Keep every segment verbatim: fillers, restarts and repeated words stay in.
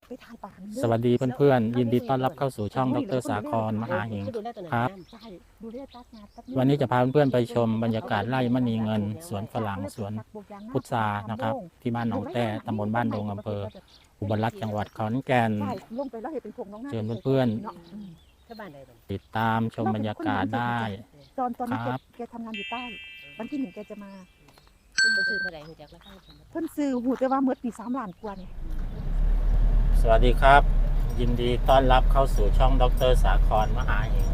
ไปถ่ายป่าสวัสดีเพื่อนๆยินดีต้อนรับเข้าสู่ช่องดร.สาครมหาหิงครับวันนี้จะพาเพื่อนๆไปชมบรรยากาศไร่มณีเงินสวนฝรั่งสวนพุทรานะครับที่บ้านหนองแต้ตำบลบ้านดงอำเภออุบลรัตน์จังหวัดขอนแก่นเชิญเพื่อนๆติดตามชมบรรยากาศได้ตอนตอนนี้ครับแกทำงานอยู่ใต้วันที่หนึ่งแกจะมาเพิ่นซื้อเท่าไหร่หูจักราคาเพิ่นบ่เพิ่นซื้อหูแต่ว่าเมื่อปีสามล้านกว่านี่สวัสดีครับ ยินดีต้อนรับเข้าสู่ช่องดร.สาครมหาหิง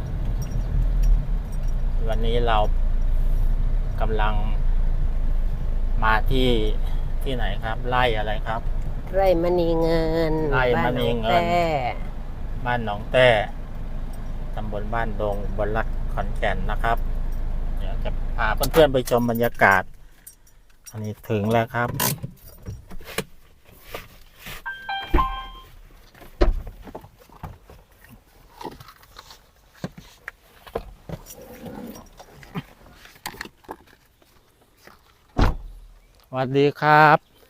วันนี้เรากำลังมาที่ที่ไหนครับไร่อะไรครับไร่มณีเงินไร่มณีเงินบ้าหอแต้บ้านหนองแต้ตำบลบ้านดงอุบลรัตน์ขอนแก่นนะครับเดี๋ยวจะพาเพื่อนๆไปชมบรรยากาศอันนี้ถึงแล้วครับสวัสดีครับ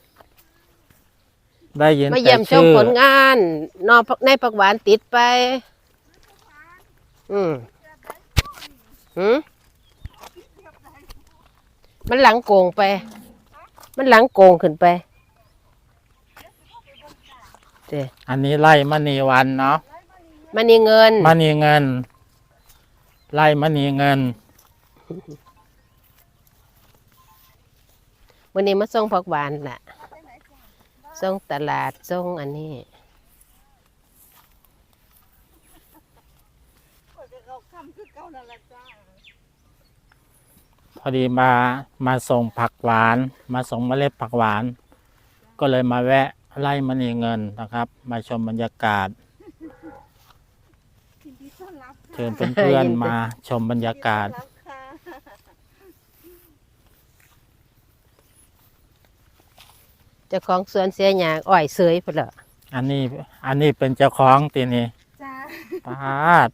ได้ยินมาแต่เยี่ยมชมชื่อผลงานนอในผักหวานติดไป อืมหืมมันหลังโกงไป มันหลังโกงขึ้นไปเด้อันนี้ไร่มณีวันเนาะมณีเงินมณีเงินไร่มณีเงินวันนี้มาส่งผักหวานน่ะส่งตลาดส่งอันนี้พอดีมามาส่งผักหวาน มาส่งเมล็ดผักหวาน ก็เลยมาแวะไร่มณีเงินนะครับ มาชมบรรยากาศ เชิญเพื่อนๆมาชมบรรยากาศเจ้าของสวนเสียหยางอ้อยเสยพุ่นละอันนี้อันนี้เป็นเจ้าของตีนี่จ้าปาด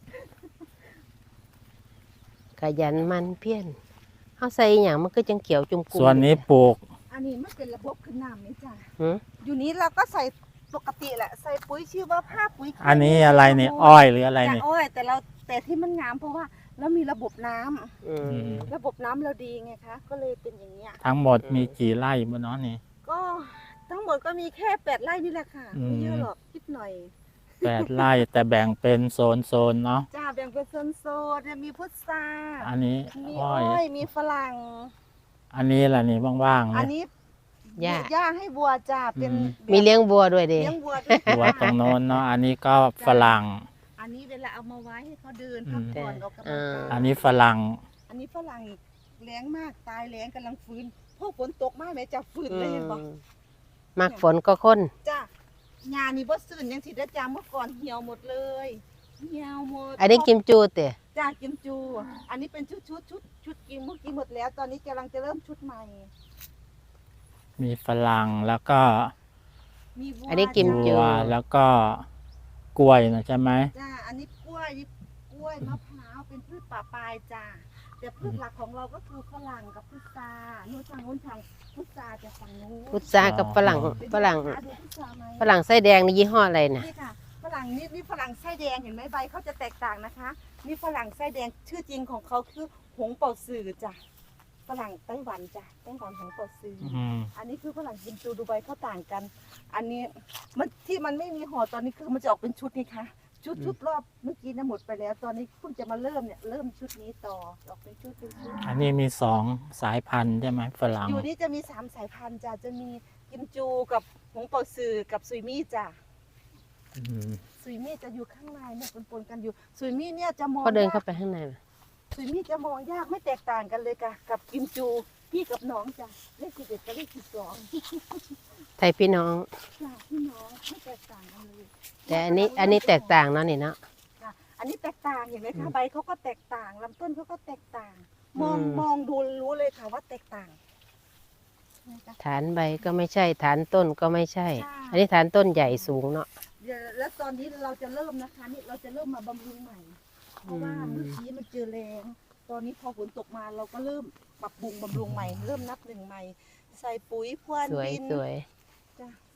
ขยันหมันเพี้ยนเฮาใส่อหย่างมันก็จังเขียวจุ่มกุ้งส่วนนี้ปลูกอันนี้มันเป็นระบบขึ้นน้ำนี่จ้าหืออยู่นี้เราก็ใส่ปกติแหละใส่ปุ๋ยชื่อว่าผ้าปุ๋ยอันนี้อะไรนี่อ้อยหรืออะไรจ้ะนี่อ้อยแต่เราแต่ที่มันงามเพราะว่าเรามีระบบน้ำอืมระบบน้ำเราดีไงคะก็เลยเป็นอย่างเงี้ยทั้งหมดมีกี่ไร่บนน้องนี่ก็ทั้งหมดก็มีแค่แปดไร่นี่แหละค่ะอืมไม่เยอะหรอกนิดหน่อยแปดไร่แต่แบ่งเป็นโซนโซนๆเนาะจ้าแบ่งเป็นโซนๆเนี่ยมีพุทราอันนี้มีอ้อ้ออย ยมีฝรั่งอันนี้แหละนี่ว่างๆอันเนี่ยนี้หญ้าหญ้าให้วัวจ้าเป็นอืมมีเลี้ยงบัวด้วยเด้เลี้ยงวัวด้วยหัวตรงโน้นเนาะอันนี้ก็ฝรั่งอันนี้เวลาเอามาไว้ให้เขาเดินอืพักมผ่อนออกกำลังอ่ากาอัยนนี้ฝรั่งอันนี้ฝรั่งแรงมากตายแรงกำลังฟื้นพวกฝนตกมากแม่จะฟื้นอืเลยเห็นปะมมักฝนก็คนจ้าหญ้านี่บ่ซื่นยังสิได้จ้าเมื่อก่อนเหี่ยวหมดเลยเหี่ยวหมดอันนี้กิมจูเตะจ้ากิมจู อันนี้เป็นชุดชุดชุดชุดกิมเมื่อกี้หมดแล้ว ตอนนี้กำลังจะเริ่มชุดใหม่มีฝรั่งแล้วก็มีวัวอันนี้กิมบัจูวแล้วก็กล้วยนะใช่ไหมจ้าอันนี้กล้วยนี่กล้วยมะพร้าวเป็นพืชป่าปลายจ้าแต่พืชหลักของเราก็คือฝรั่งกับพุทรานู้นทางนู้นทางพุทราจะฝั่งนู้นพุทรากับฝรั่งเป็นฝรั่งดูพุทราไหมฝรั่งไส้แดงนี่ยี่ห้ออะไรน่ะนี่ค่ะฝรั่งนี่นี่ฝรั่งไส้แดงเห็นไหมใบเขาจะแตกต่างนะคะนี่ฝรั่งไส้แดงชื่อจริงของเขาคือหงเป่าซือจ้ะฝรั่งไต้หวันจ้ะไต้หวันหงเป่าซือออืมอันนี้คือฝรั่งกิมจูดูใบเขาต่างกัน อันนี้มันที่มันไม่มีห่อตอนนี้คือมันจะออกเป็นชุดนี่ค่ะชุดชุดรอบเมื่อกี้นะหมดไปแล้ว ตอนนี้เพิ่งจะมาเริ่มเนี่ยเริ่มชุดนี้ต่อออกเป็นชุดเป็นชุดอันนี้มีสองสายพันธุ์ใช่ไหมฝรั่งอยู่นี่จะมีสามสายพันธุ์จ้ะจะมีกิมจูกับหงเป่าซือกับซุยมี่จ้ะอืมซุยมี่จะอยู่ข้างในเนี่ยปนๆกันอยู่ซุยมี่เนี่ยจะมองก็เดินยากเข้าไปข้างในมาซุยมี่จะมองยากไม่แตกต่างกันเลยค่ะกับกิมจูพี่กับน้องจ้ะเลขสิบเอ็ดกับเลขสิบสองไทยพี่น้องจ้ะพี่น้องไม่แตกต่างกันเลยแต่อันนี้อันนี้แตกต่างเนาะนี่เนาะจ้ะอันนี้แตกต่างเห็นไหมอืคะมใบเขาก็แตกต่างลำต้นเขาก็แตกต่าง มองอืมมองดูรู้เลยค่ะว่าแตกต่างนะคะฐานใบก็ไม่ใช่ ฐานต้นก็ไม่ใช่ใช่อันนี้ฐานต้นใหญ่สูงเนาะเดี๋ยวแล้วตอนนี้เราจะเริ่มนะคะนี่เราจะเริ่มมาบำรุงใหม่ เพราะว่าอืมเมื่อกี้มันเจอแรงตอนนี้พอฝนตกมาเราก็เริ่มปรับปรุงบำรุงใหม่ เริ่มนับหนึ่งใหม่ ใส่ปุ๋ยพรวนสวยดินสวยจ้ะ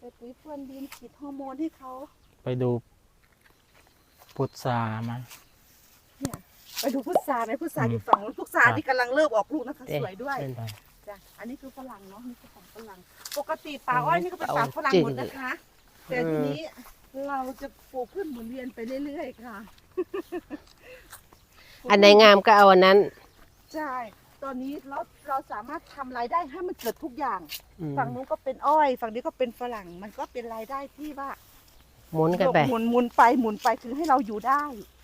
ใส่ปุ๋ยพรวนดินฉีดฮอร์โมนให้เขาไปดูพุทราไหมเนี่ยไปดูพุทราไหมพุทราอืมอยู่ฝั่งนู้นพุทราครับที่กำลังเริ่มออกลูกนะคะเอ๊ะสวยด้วยเอ๊ะจ้ะอันนี้คือฝรั่งเนาะนี่คือฝั่งฝรั่งปกติป่าอ้อยนี่ก็เป็นป่าฝรั่งหมดนะคะ แต่ทีนี้เราจะปลูกพืชหมุนเวียนไปเรื่อยๆค่ะอันไหนงามก็เอาอันนั้นใช่ ตอนนี้เราเราสามารถทำรายได้ให้มันเกิดทุกอย่างอืมฝั่งนู้นก็เป็นอ้อย ฝั่งนี้ก็เป็นฝรั่ง มันก็เป็นรายได้ที่ว่าหมุนกันไปหมุนหมุนไปหมุนไปถึงให้เราอยู่ได้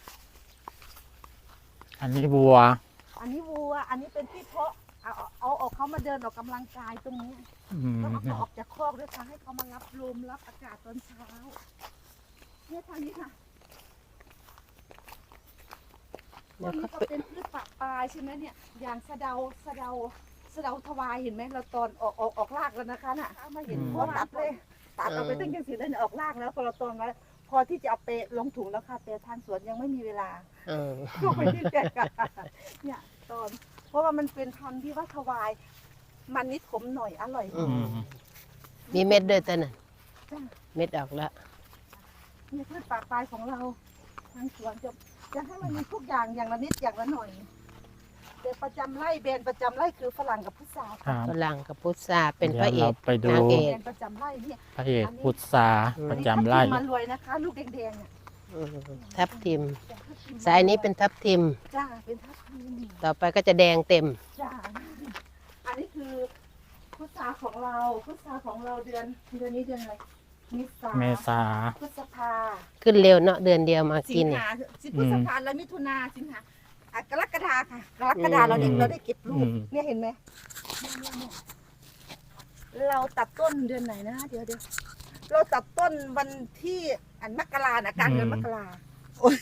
อันนี้วัวอันนี้วัว อันนี้เป็นที่เพาะเอาเอาเอาออกเขามาเดินออกกำลังกายตรงนี้อืมแล้วก็ออกจากคอกด้วยค่ะให้เขามารับลมรับอากาศตอนเช้าเนี่ยทางนี้ค่ะเดี๋ตยรวงเขานี้ก็ไปเป็นพืชปะปลายใช่ไหมเนี่ย อย่างสะเดาสะเดาสะเดาทวายเห็นไหมเราตอนออกออกออกรากแล้วนะคะน่ะมาเห็นเพราะตัดเลยตัดเอาไปตั้งยังสีแล้วเนี่ยออกรากแล้วพอเราตอนแล้วพอที่จะเอาไปลงถุงแล้วค่ะแต่ทางสวนยังไม่มีเวลาเออก็ไปที่แจกเนี่ยตอน เพราะว่ามันเป็นพันธุ์ที่ว่าทวาย มันนิดขมหน่อยอร่อยอือืมมมีเม็ดด้วยตัวนั้นจ้ะเม็ดออกแล้วนี่พืชปะปลายของเราทางสวนจะจะให้มันมีทุกอย่างอย่างละนิดอย่างละหน่อยแต่ประจำไร่แบรนด์ประจำไร่คือฝรั่งกับพุทราครับฝรั่งกับพุทราเป็นพระเอดี๋ยวกราไปดูนางเอแบกรนด์ประจำไร่เนี่ยพระเอกพุทราประจำไร่มารวยนะคะ ลูกแดงๆเนี่ยอืมทับทิม สายนี้เป็นทับทิมจ้าเป็นทับทิมต่อไปก็จะแดงเต็มจ้าอันนี้คือพุทราของเราพุทราของเราเดือนเดือนนี้เดือนอะไรเมษาเมษาพฤษภาขึ้นเร็วเนาะเดือนเดียวมาสิกินงเนี่ยหาสิพฤษภาแล้วมิถุนาสิงหาอ่ะกรกฎาค่ะกรกฎาเราได้อืมเราได้เก็บลูอืกมเนี่ยเห็นไหมเนี่ยเนี่ยเนี่ยเราตัดต้นเดือนไหนนะเดี๋ยวเดี๋ยวเราตัดต้นวันที่อันมกราน่ะกลางเดือนมกราโอ๊ย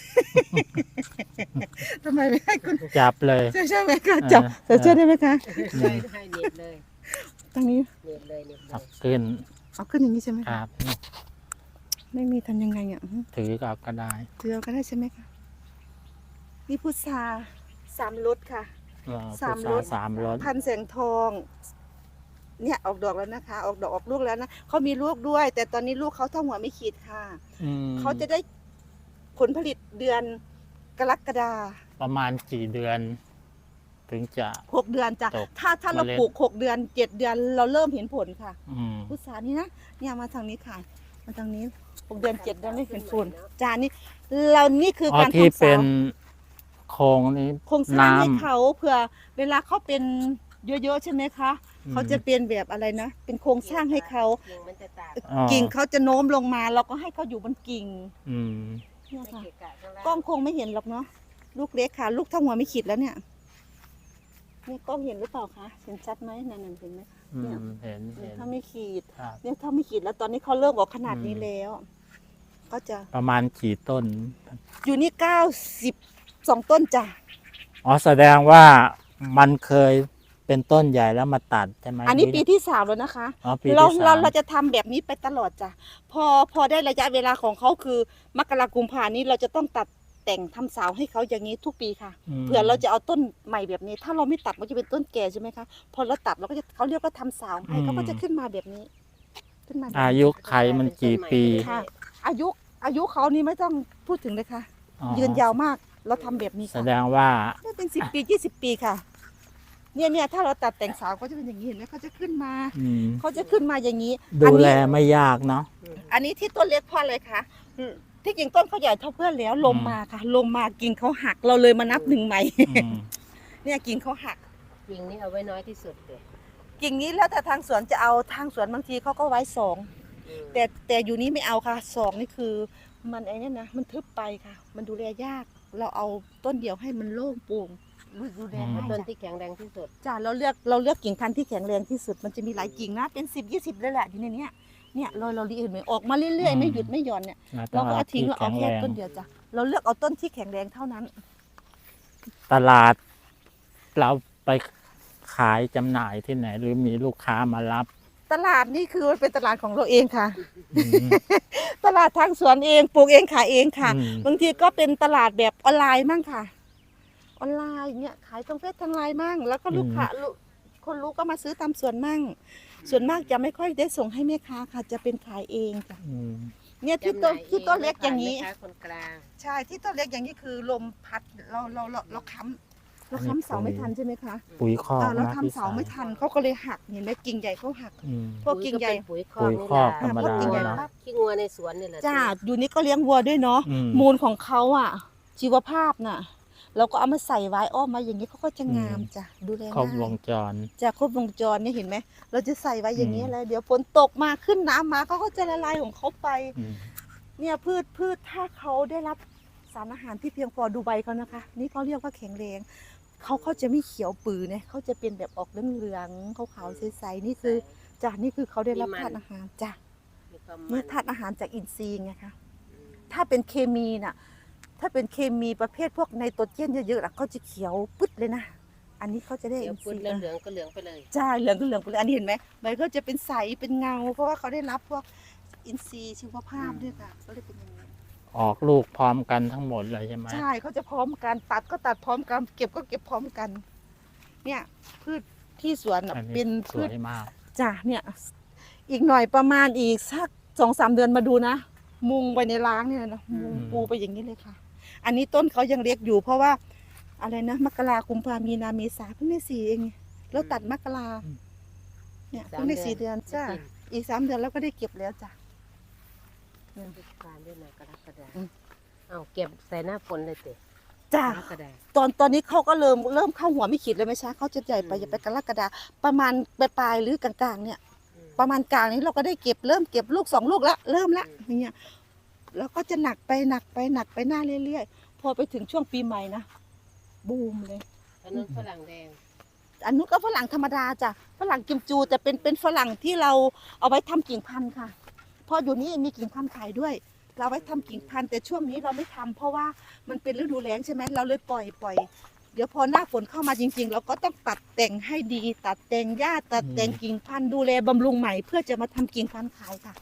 ทำไมไม่ให้คุณจับเลยใช่ใช่ไหมคะจับเออจะช่วยได้ไหมคะอืมให้เน็ตเลยตรงนี้เน็ตเลยเน็ตเลเอายขึ้นเอาขึ้นอย่างนี้ใช่ไหมคคะรับไม่มีทำยังไงอ่ะถือกับก็ได้เจือก็ได้ใช่ไหมคะนี่พุทราสามรสค่ะเออสามพุทรรสสามรสพันแสงทอง เนี่ยออกดอกแล้วนะคะ ออกดอกออกลูกแล้วนะเขามีลูกด้วย แต่ตอนนี้ลูกเขาเท่าหัวไม่ขีดค่ะอืมเขาจะได้ผลผลิตเดือนกรกฎาประมาณกี่เดือน ถึงจะหกเดือนจ้ะตกถ้าถ้าเราเมล็ดปลูกหกเดือนเจ็ดเดือนเราเริ่มเห็นผลค่ะอืมพุทรานี่นะเนี่ยมาทางนี้ค่ะมาทางนี้หกเดือนเจ็ดเดือนไม่เห็นผลจานนี้เรานี่คืออ๋อการที่ทำเป็สาน วโครงนี้โครงสร้างให้น้ำเขาเผื่อเวลาเขาเป็นเยอะๆใช่ไหมคะอืมเขาจะเป็นแบบอะไรนะ เป็นโครงสร้างให้เขากิ่งมันจะตากอ๋อกิ่งเขาจะโน้มลงมาเราก็ให้เขาอยู่บนกิ่งอืมเนี่ยไม่ค่ะเกะกะข้างล่างกล้องคงไม่เห็นหรอกเนาะลูกเล็กค่ะ ลูกเท่าหัวไม่ขีดแล้วเนี่ยเนี่ยกล้องเห็นหรือเปล่าคะเห็นชัดไหมนั่นๆเห็นไหมคะอืเนี่ยมเห็นเนี่ยเห็นถ้าไม่ขีดครับเนี่ยถ้าไม่ขีดแล้วตอนนี้เขาเริ่มออกขนาดนี้อืมแล้ว ก็จะประมาณกี่ต้นอยู่นี่เก้าสิบสองต้นจ้ะอ๋อแสดงว่ามันเคยเป็นต้นใหญ่แล้วมาตัดใช่ไหมอันนี้หรืปีที่สามแล้วนะคะอ๋อปีเราที่เราสามเราจะทำแบบนี้ไปตลอดจ้ะพอพอได้ระยะเวลาของเขาคือมกรากุมภานี้เราจะต้องตัดแต่งทำสาวให้เขาอย่างนี้ทุกปีค่ะมเผื่อเราจะเอาต้นใหม่แบบนี้ ถ้าเราไม่ตัดมันจะเป็นต้นแก่ใช่ไหมคะพอเราตัดเราก็จะเขาเรียกว่าทำสาวให้เขาก็จะขึ้นมาแบบนี้ ขึ้นมาแบบอานี้ยุไขมันกี่ปีค่ะ อายุอายุเขานี่ไม่ต้องพูดถึงเลยค่ะอ๋อยืนยาวมากเราทำแบบนี้แสค่ะดงว่าได้เป็นสิบปียี่สิบปีค่ะ เนี่ยเนี่ยถ้าเราตัดแต่งสาวก็จะเป็นอย่างนี้เห็นไหมเขาจะขึ้นมาอืมเขาจะขึ้นมาอย่างนี้ดูอันนี้แลไม่ยากเนาะอันนี้ที่ต้นเล็กเพราะอะไรคะอืมที่จริงต้นเขาใหญ่เท่าเพื่อนแล้วลมอืมมาค่ะ ลมมากิ่งเขาหักเราเลยมานับหนึ่งใหม่อืมเนี่ยกิ่งเขาหักกิ่งนี้เอาไว้น้อยที่สุดเลยกิ่งนี้แล้วแต่ทางสวนจะเอาทางสวนบางทีเขาก็ไว้สองอืมแต่แต่อยู่นี้ไม่เอาค่ะสองนี่คือ มันไอ้นี่นะมันทึบไปค่ะ มันดูแลยาก เราเอาต้นเดียวให้มันโล่งโปร่งดูแลเอาง่ายต้นจ้ะที่แข็งแรงที่สุดจ้ะเราเลือกเราเลือกกิ่งพันธุ์ที่แข็งแรงที่สุดมันจะมีหลายกิ่งนะเป็นสิบยี่สิบเลยแหละอยู่ในเนี้ยเนี่ยเราเราเห็นไหมออกมาเรื่อยๆไม่หยุดไม่หย่อนเนี่ยต้เราองก็เอาเอาทิ้งที่เราเอาแข็งแค่แรงต้นเดียวจ้ะเราเลือกเอาต้นที่แข็งแรงเท่านั้นตลาด เราไปขายจำหน่ายที่ไหน หรือมีลูกค้ามารับตลาดนี่คือมันเป็นตลาดของเราเองค่ะอืมตลาดทางสวนเองปลูกเองขายเองค่ะอืมบางทีก็เป็นตลาดแบบออนไลน์มั่งค่ะ ออนไลน์เนี่ยขายตรงเฟซทางไลน์มั่ง แล้วก็ลูกค้าลูกคนรู้ก็มาซื้อตามสวนมั่งส่วนมากจะไม่ค่อยได้ส่งให้แม่ค้าค่ะจะเป็นขายเองจ้ะอืมเนี่ยที่ต้นที่ต้นเล็กอย่างนี้นี้คนกลางใช่ที่ต้นเล็กอย่างนี้คือลมพัดเราเราเราเราค้ำเราค้ำเสาไม่ทันใช่ไหมคะปุ๋ยคอกอ่าเรานะทำเสาไม่ทันเขาก็เลยหักเห็นไหมกิ่งใหญ่เขาหักอืมพวกกิ่งใหญ่ปุ๋ยคปุ๋อกยนี่คอกแหละธรรมดาพวกกิ่งใหญ่เนาะปั๊บขี้งัวในสวนนี่แหละจ้าอยู่นี้ก็เลี้ยงวัวด้วยเนาะอืมมูลของเขาอ่ะ ชีวภาพน่ะ เราก็เอามาใส่ไว้อ้อมมาอย่างนี้เขาก็จะงามจ้ะดูแลครบวง่ายงจรจะครบวงจรเนี่ยเห็นไหมเราจะใส่ไว้อย่างนี้อืมแล้วเดี๋ยวฝนตกมาขึ้นน้ำมาเขาก็จะละลายของเขาไปอืมเนี่ยพืชพืชถ้าเขาได้รับสารอาหารที่เพียงพอดูใบเขานะคะ นี่เขาเรียกว่าแข็งแรงเขาเขาจะไม่เขียวปือเนี่ยเขาจะเป็นแบบออกเหลืองๆขาวๆใสๆนี่คือจ้ะนี่คือเขาได้รับธาตุอาหารจ้ะมีความนี่มันธาตุอาหารจากอินทรีย์ไงคะอืมถ้าเป็นเคมีน่ะ ถ้าเป็นเคมีประเภทพวกไนโตรเจนเยอะๆน่ะเขาจะเขียวปึ๊ดเลยนะ อันนี้เขาจะได้เดี๋ยอิวน พูดทรีย์เหลืองๆก็เหลืองไปเลยใช่เหลืองก็เหลืองไปเลยอันนี้เห็นไหมใบก็จะเป็นใสเป็นเงา เพราะว่าเขาได้รับพวกอินทรีย์ชีวภาพด้วยค่ะก็เลยเป็นอย่างนี้ออกลูกพร้อมกันทั้งหมดเลยใช่ไหมใช่เขาจะพร้อมกันตัดก็ตัดพร้อมกันเก็บก็เก็บพร้อมกัน เนี่ยพืชที่สวนน่ะอันเป็นี้นสพืวชยมากจ้ะเนี่ย อีกหน่อยประมาณอีกสักสองสามเดือนมาดูนะ มุงไปในร้างเนี่ยนะมุงอืมปูไปอย่างนี้เลยค่ะ อันนี้ต้นเขายังเล็กอยู่เพราะว่าอะไรนะมกรากุมภามีนาเมษาเพิ่งได้สี่เองแล้วตัดมกราเนี่ยเพิ่งได้สี่เดือนจ้ะอีกสามเดือนแล้วก็ได้เก็บแล้วจ้ะพฤษภาเดือนกรกฎาอืมเอาเก็บใส่หน้าฝนเลยเตะจ้ะกรกฎาตอนตอนนี้เขาก็เริ่มเริ่มเข้าหัวไม่ขีดเลยไหมช้าเขาจะใหญ่ไปอืมจะไปกรกฎาประมาณปลายๆหรือกลางๆเนี่ยอืมประมาณกลางนี้เราก็ได้เก็บเริ่มเก็บลูกสองลูกแล้วเริ่มละอย่างเงี้ยแล้วก็จะหนักไปหนักไปหนักไปหน้าเรื่อยๆพอไปถึงช่วงปีใหม่นะบูมเลยอันนั้นฝรั่งแดงอันนู้นก็ฝรั่งธรรมดาจ้ะฝรั่งกิมจูแต่เป็นเป็นฝรั่งที่เราเอาไว้ทำกิ่งพันธุ์ค่ะเพออยู่นี่มีกิ่งพันธุ์ขายด้วย เราไว้ทำกิ่งพันธุ์แต่ช่วงนี้เราไม่ทำเพราะว่ามันเป็นฤดูแล้งใช่ไหมเราเลยปล่อยปล่อยเดี๋ยวพอหน้าฝนเข้ามาจริง ๆ เราก็ต้องตัดแต่งให้ดี ตัดแต่งหญ้าตัดแต่งกิ่งพันธุ์ดูแลบำรุงใหม่เพื่อจะมาทำกิ่งพันธุ์ขายค่ะ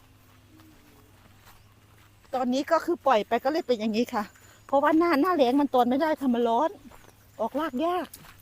ตอนนี้ก็คือปล่อยไปก็เลยเป็นอย่างนี้ค่ะ เพราะว่าหน้าหน้าแล้งมันตอนไม่ได้ค่ะมันร้อน ออกรากยาก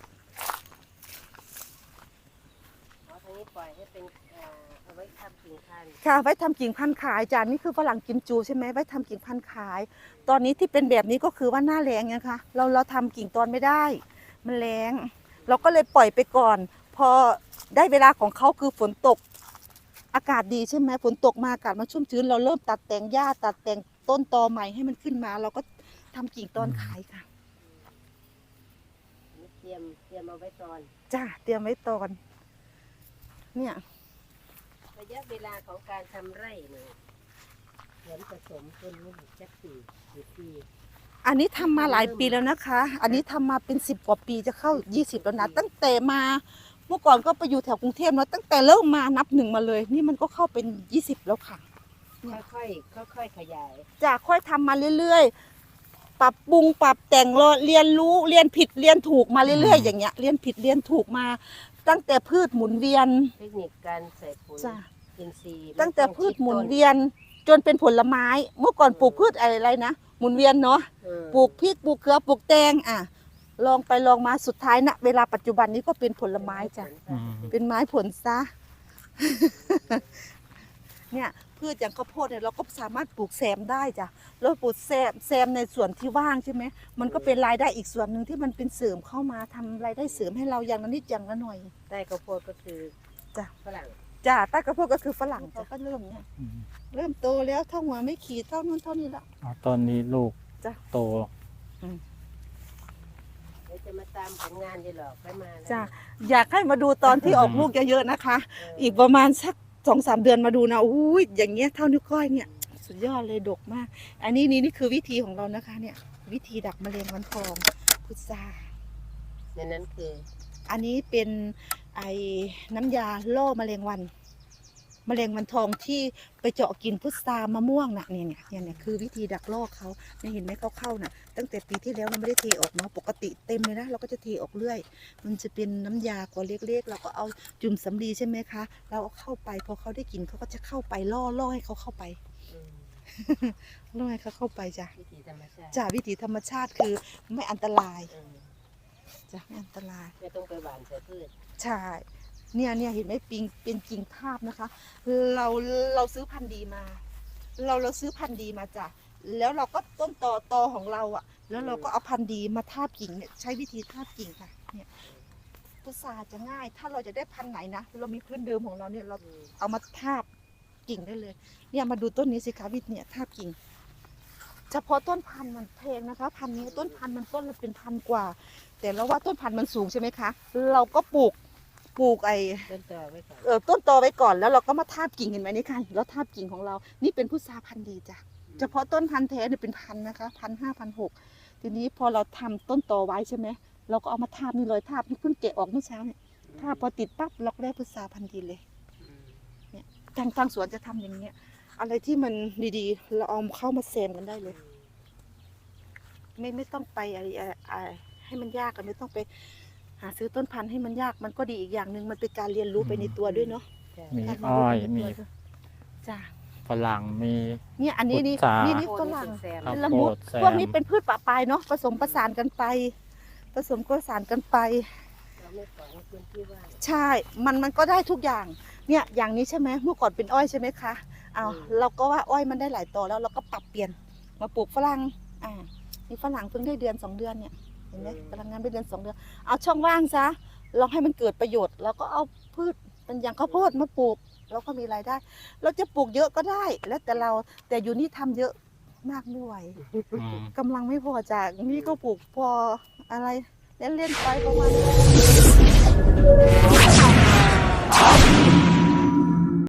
เอาทางนี้ปล่อยให้เป็นเอ่อเอาไว้ทำกิ่งพันธุ์ค่ะไว้ทำกิ่งพันธุ์ขายจานนี่คือฝรั่งกิมจูใช่ไหมไว้ทำกิ่งพันธุ์ขาย ตอนนี้ที่เป็นแบบนี้ก็คือว่าหน้าแล้งนะคะเราเราทำกิ่งตอนไม่ได้ มันแล้ง เราก็เลยปล่อยไปก่อน พอได้เวลาของเขาคือฝนตก อากาศดีใช่ไหมฝนตกมาอากาศมันชุ่มชื้นเราเริ่มตัดแต่งหญ้าตัดแต่งต้นตอใหม่ให้มันขึ้นมา เราก็ทำกิ่งตอนขายค่ะอันนี้เตรียมเตรียมเอาไว้ตอนจ้าเตรียมไว้ตอน เนี่ยระยะเวลาของการทำไร่เนี่ยผลผสมต้นนี้จักปีหรือปีอันนี้ทำมาหลายปีแล้วนะคะ อันนี้ทำมาเป็นสิบกว่าปีจะเข้ายี่สิบแล้วนะตั้งแต่มาเมื่อก่อนก็ไปอยู่แถวกรุงเทพเนาะตั้งแต่เริ่มมานับหนึ่งมาเลย นี่มันก็เข้าเป็นยี่สิบแล้วค่ะค่อยๆค่อยๆขยายจะค่อยทำมาเรื่อยๆ ปรับปรุงปรับแต่งรอเรียนรู้เรียนผิดเรียนถูกมาเรื่อยๆ อย่างเงี้ยเรียนผิดเรียนถูกมา ตั้งแต่พืชหมุนเวียนเทคนิคการใส่ปุ๋ยจ้ะอินทรีย์ตั้งแต่พืชหมุนเวียนจนเป็นผลไม้ เมื่อก่อนปลูกพืชอะไรๆนะหมุนเวียนเนาะเออปลูกพริกปลูกเกลือปลูกแตงอ่ะลองไปลองมาสุดท้ายนะเวลาปัจจุบันนี้ก็เป็นผลไม้จ้ะอืมเป็นไม้ผลซะ เนี่ยพืชอย่างข้าวโพดเนี่ยเราก็สามารถปลูกแซมได้จ้ะเราปลูกแซมแซมในส่วนที่ว่างใช่ไหมมันก็เป็นรายได้อีกส่วนหนึ่งที่มันเป็นเสริมเข้ามาทำรายได้เสริมให้เราอย่างละนิดอย่างละหน่อยใต้ข้าวโพดก็คือจ้ะฝรั่งจ้ะใต้ข้าวโพดก็คือฝรั่งจ้ะก็เริ่มเนี่ยอืมเริ่มโตแล้วเท่าหัวไม่ขีดเท่านู้นเท่านี้ละอ๋อตอนนี้ลูกจ้ะโตเดี๋ยวจะมาตามผลงานดีหรอกไปมาแล้วจ้ะอยากให้มาดูตอนที่ออกลูกเยอะๆนะคะ อีกประมาณสักสองสามเดือนมาดูนะอุ้ยอย่างเงี้ยเท่านิ้วก้อยเนี่ย สุดยอดเลยดกมาก อันนี้นี่นี่คือวิธีของเรานะคะ เนี่ย วิธีดักแมลงวันทองพุทราในนั้นคืออันนี้เป็นไอ้น้ำยาล่อแมลงวัน แมลงวันทองที่ไปเจาะกินพุทรามะม่วงน่ะเนี่ยเนี่ยเนี่ยเนี่ยคือวิธีดักล่อเขาเนี่ยเห็นไหมเขาเข้าน่ะ ตั้งแต่ปีที่แล้วเราไม่ได้เทออกเนาะปกติเต็มเลยนะเราก็จะเทออกเรื่อย มันจะเป็นน้ำยาขวดเล็กๆเราก็เอาจุ่มสำลีใช่ไหมคะ เราเอาเข้าไปพอเขาได้กินเขาก็จะเข้าไปล่อล่อให้เขาเข้าไปอืมล่อให้เขาเข้าไปจ้ะวิธีธรรมชาติจ้ะวิถีธรรมชาติคือไม่อันตรายอืมจ้ะไม่อันตรายไม่ต้องไปหว่านใส่พืชใช่เนี่ยเนี่ยเห็นไหมปิงเป็นกิ่งทาบนะคะ เราเราซื้อพันธุ์ดีมา เราเราซื้อพันธุ์ดีมาจ้ะแล้วเราก็ต้นตอตอของเราอ่ะ แล้วเราก็เอาพันธุ์ดีมาทาบกิ่งเนี่ยใช้วิธีทาบกิ่งค่ะเนี่ยพุทราจะง่าย ถ้าเราจะได้พันธุ์ไหนนะเรามีพื้นเดิมของเราเนี่ยเราเอามาทาบกิ่งได้เลย เนี่ยมาดูต้นนี้สิคะวิทย์เนี่ยทาบกิ่ง เฉพาะต้นพันธุ์มันแพงนะคะพันธุ์นี้ต้นพันธุ์มันต้นละเป็นพันกว่า แต่เราว่าต้นพันธุ์มันสูงใช่ไหมคะเราก็ปลูกปลูกไอต้นต่อไว้ก่อนเออต้นตอไว้ก่อนแล้วเราก็มาทาบกิ่งเห็นไหมนี่ค่ะแล้วทาบกิ่งของเรานี่เป็นพุทราพันธุ์ดีจ้ะเฉพาะต้นพันธุ์แท้เนี่ยเป็นพันนะคะพันห้าพันหกทีนี้พอเราทำต้นตอไว้ใช่ไหมเราก็เอามาทาบนี่เลยทาบนี่เพิ่งแกะออกเมื่อเช้าเนี่ยทาบพอติดปั๊บเราก็ได้พุทราพันธุ์ดีเลยเนี่ยทางทางสวนจะทำอย่างเงี้ยอะไรที่มันดีๆเราเอาเข้ามาแซมกันได้เลย ไม่ไม่ต้องไปอะไรอะไรให้มันยากกันไม่ต้องไปหาซื้อต้นพันธุ์ให้มันยากมันก็ดีอีกอย่างหนึ่งมันเป็นการเรียนรู้ไปในตัวด้วยเนาะมีการเรีนอ้รู้อยไปในมีตัวด้วยจ้าฝรั่งมีเนี่ยอันนี้นี่พุทรานี่นี่ฝรั่งแซมข้าวละโพมุดดแซพวกมนี้เป็นพืชป่าปลายเนาะผสมประสานกันไป ผสมประสานกันไปเราไม่ปล่อยให้พื้นที่ว่างใช่มันมันก็ได้ทุกอย่างเนี่ยอย่างนี้ใช่ไหมเมื่อก่อนเป็นอ้อยใช่ไหมคะเอาอืมเราก็ว่าอ้อยมันได้หลายต่อแล้วเราก็ปรับเปลี่ยนมาปลูกฝรั่งอ่านี่ฝรั่งเพิ่งได้เดือนสองเดือนเนี่ยเห็นไหมพลังงานได้เดือนสองเดือนเอาช่องว่างซะลองให้มันเกิดประโยชน์แล้วก็เอาพืชเป็นอย่างข้าวโพดมาปลูกเราก็มีรายได้ เราจะปลูกเยอะก็ได้ แล้วแต่เราแต่อยู่นี่ทำเยอะมากไม่ไหวอืมกำลังไม่พอจากนี่ก็ปลูกพออะไรเล่นๆไปประมาณ